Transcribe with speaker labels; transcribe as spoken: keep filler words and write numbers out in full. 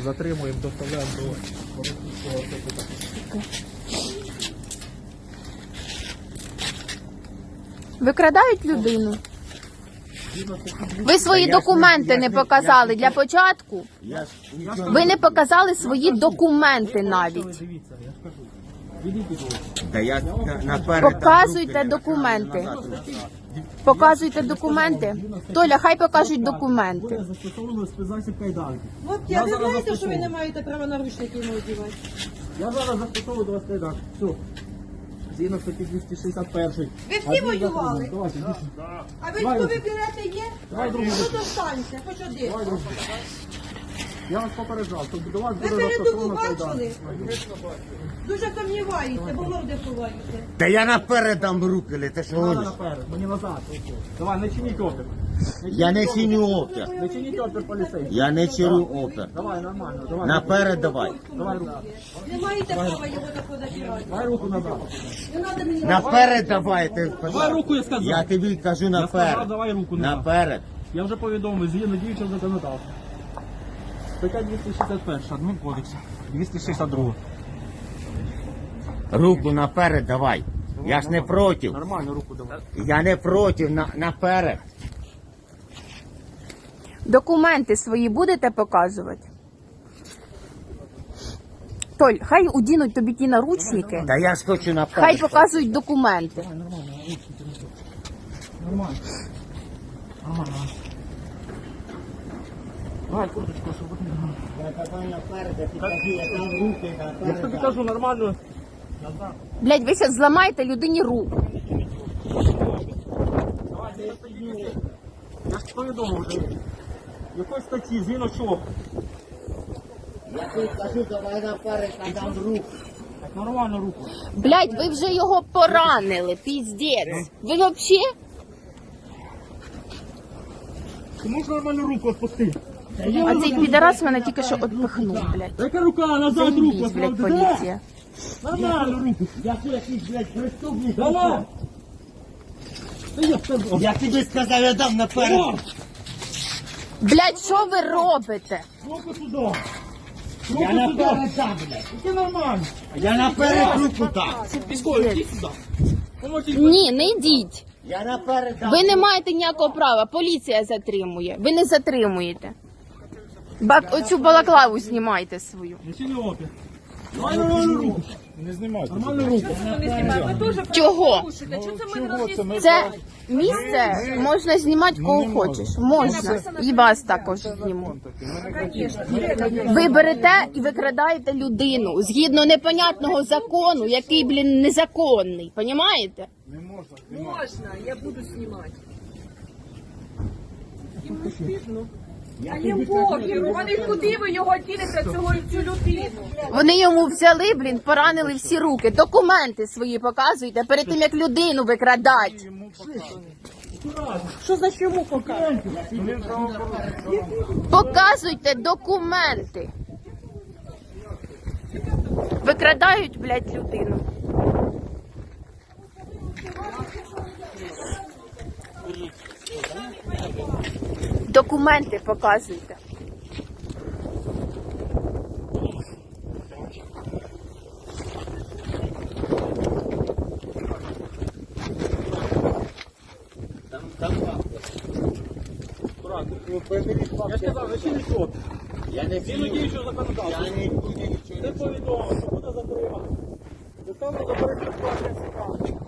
Speaker 1: Затримуємо, доставляємо до Городського ТЦК.
Speaker 2: Викрадають людину. Ви свої документи не показали для початку. Ви не показали свої документи навіть.
Speaker 3: Та я на- наперед
Speaker 2: Показуйте
Speaker 3: там руки
Speaker 2: документи.
Speaker 3: назад.
Speaker 2: Показуйте документи. Толя, хай покажуть документи.
Speaker 1: Застосовано спецзасіб кайданки.
Speaker 4: Хлопці, а ви знаєте, що ви не маєте права наручники йому одягати?
Speaker 1: Я зараз застосовую до вас кайданки. Все. Згідно статті двісті шістдесят один.
Speaker 4: Ви всі воювали?
Speaker 1: Давайте, йдіть.
Speaker 4: А ви хто ви берете є? Тут останьте, хоч один.
Speaker 1: Я вас попереджав, що до вас
Speaker 4: Ви
Speaker 1: буде
Speaker 4: передову
Speaker 1: застосовано
Speaker 4: бачили?
Speaker 1: кайданки.
Speaker 4: Дуже сумніваєтеся, бо морди ховаєте.
Speaker 3: Та я наперед дам руки, ли, ти що
Speaker 1: Надо
Speaker 3: гониш?
Speaker 1: наперед, мені назад. Давай, не чиніть опір.
Speaker 3: Я не чиню опір.
Speaker 1: Не чиніть опір поліцейський.
Speaker 3: Я не чиню опір.
Speaker 1: Давай, нормально, давай.
Speaker 3: Наперед давай.
Speaker 1: Давай руку.
Speaker 4: Не маєте права його тако забирати.
Speaker 1: Давай руку назад.
Speaker 4: Не треба мені
Speaker 3: Наперед давай. Ти,
Speaker 1: Давай руку, я сказав.
Speaker 3: я тобі кажу
Speaker 1: Я сказав,
Speaker 3: наперед.
Speaker 1: давай руку назад.
Speaker 3: Наперед.
Speaker 1: Я вже повідомив, згідно діючого законодавства. Стаття двісті шістдесят один Адмінкодексу. двісті шістдесят два.
Speaker 3: Руку наперед давай. Я ж не проти.
Speaker 1: Нормально руку давай.
Speaker 3: Я не проти, на, наперед.
Speaker 2: Документи свої будете показувати? Толь, хай удінуть тобі ті наручники.
Speaker 3: Та я ж хочу
Speaker 2: Хай
Speaker 3: наперед.
Speaker 2: показують документи.
Speaker 1: Нормально. Нормально. Давай курточку, щоб ви не Я тобі кажу, нормально.
Speaker 2: Блядь, ви зараз зламаєте людині руку.
Speaker 1: Давайте, я стою. Я ж повідомив вже. Якої статті, згідно чого?
Speaker 3: Я тобі кажу, давай наперед, дам руку.
Speaker 1: Так, нормально руку.
Speaker 2: Блядь, ви вже його поранили, піздець. Ви взагалі?
Speaker 1: Ти можеш нормально руку відпусти?
Speaker 2: А цей підарас мене тільки що відпихнув, блядь.
Speaker 1: Яка рука, назад руку.
Speaker 2: Заїбіть, блядь, поліція.
Speaker 1: Нормально руку.
Speaker 3: Я тут якийсь, блядь, преступник.
Speaker 1: Давай. Та я сказав.
Speaker 3: Я тобі сказав, я дам наперед.
Speaker 2: Блядь, що ви робите?
Speaker 1: Руку сюди.
Speaker 3: Я наперед дам, блядь.
Speaker 1: Це нормально.
Speaker 3: Я наперед руку дам.
Speaker 1: Військовий, йди сюди. Поможіть.
Speaker 2: Ні, не йдіть.
Speaker 3: Я наперед дам.
Speaker 2: Ви не маєте ніякого права, поліція затримує. Ви не затримуєте. Бак, оцю балаклаву знімайте свою.
Speaker 1: Не чини опір. Давай нормально руку. Не знімайте. Нормально руку.
Speaker 2: Чого? Це місце можна знімати кого хочеш. Можна. І вас також зніму. Ви берете і викрадаєте людину згідно непонятного закону, який, блін, незаконний. Понімаєте?
Speaker 4: Можна, я буду знімати.
Speaker 5: А їм похер, вони куди ви його ділите, цього цю людину?
Speaker 2: Вони йому взяли, блін, поранили всі руки. Документи свої показуйте перед тим, як людину викрадати.
Speaker 4: Що за чому показати?
Speaker 2: Показуйте документи. Викрадають, блядь, людину. Документи показуйте.
Speaker 1: Я ж казав, не чини опір.
Speaker 3: Я не
Speaker 1: Згідно діючого законодавства.
Speaker 3: Я не буду нічого.
Speaker 1: Ти повідомив, що буде затримано. Доставлено до перекладу.